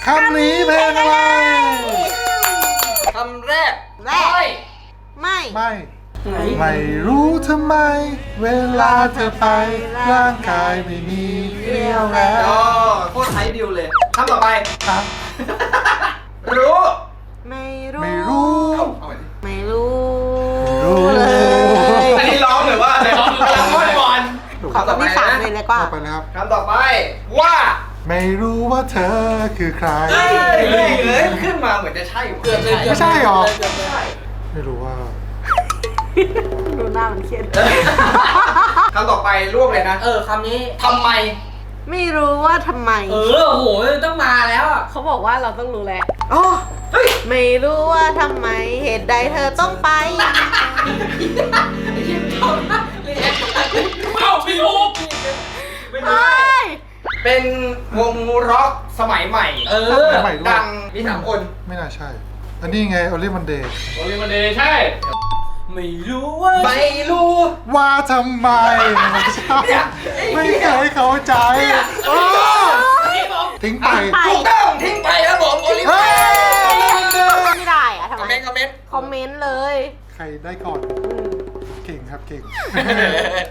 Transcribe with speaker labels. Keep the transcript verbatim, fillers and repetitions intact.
Speaker 1: คำนี้เพลงอะไร
Speaker 2: คำแรก
Speaker 3: แรก ไม่
Speaker 1: ไม่ ไม่รู้ทำไม เวลาเธอไปร่างกายไม่มีเรี่ยวแรง
Speaker 2: อ๋อโคตรไทยดิวเลยคำต่อไป
Speaker 1: ครับ
Speaker 2: รู้
Speaker 3: ไม่รู้
Speaker 1: ไม่รู้
Speaker 2: เอาใหม่ดิ
Speaker 3: ไม่รู้
Speaker 1: รู้
Speaker 3: เลย
Speaker 2: อันนี้ร้องหรือว่าอะไรร้องกำลังม้วนบอล
Speaker 3: ขอ
Speaker 2: คำต่อ
Speaker 3: คำ
Speaker 2: ไป
Speaker 3: ที่สาม
Speaker 2: นะ
Speaker 3: เลยเลยก็
Speaker 1: ต่อไปนะครับ
Speaker 2: คำต่อไปว่า
Speaker 1: ไม่รู้ว่าเธอคือใคร
Speaker 2: เฮ้ยเฮ้ยเฮ้ยขึ้นมาเหมือนจะใช่เกือบเลย
Speaker 1: ไม่ใช่หรอ
Speaker 2: ใช่
Speaker 1: ไม่รู้ว่า
Speaker 3: ดูหน้ามันเครียด
Speaker 2: คำต่อไปรวบเลยนะ
Speaker 4: เออคำนี้
Speaker 2: ทำไม
Speaker 3: ไม่รู้ว่าทำไม
Speaker 4: เออโอ้โหต้องมาแล้วอ่ะ
Speaker 3: เขาบอกว่าเราต้องรู้แล้ว
Speaker 2: อ๋อเฮ้ย
Speaker 3: ไม่รู้ว่าทำไมเหตุใดเธอต้องไป
Speaker 4: เอ้าไม่ถูก
Speaker 2: ไม่
Speaker 3: เฮ
Speaker 2: ได้
Speaker 3: ้ย
Speaker 2: เป็นวงร็อกสมัยใหม่
Speaker 4: เออ
Speaker 1: ใหม่ด้วย
Speaker 2: ดังมีสามคน
Speaker 1: ไม่น่าใช่ อันนี้ไง o อลิมันเดย์
Speaker 4: โอลิมันเดย์ใช่ ไม่รู้ว่า
Speaker 2: ไม่รู้
Speaker 1: ว่าทำไมไม่ใช่ไม่เคยเข้าใจโอ้ทิ้งไป
Speaker 3: ไป
Speaker 2: ถูกต้องทิ้งไปครับผมโอลิเวอ
Speaker 1: เฮ้
Speaker 2: ร์
Speaker 1: ย
Speaker 3: ไม่ได้อะทำ
Speaker 2: คอม
Speaker 3: ไม
Speaker 2: เมนต์คอมเมนต์
Speaker 3: คอมเมนต์เลย
Speaker 1: ใครได้ก่อน เก่งครับเก่ง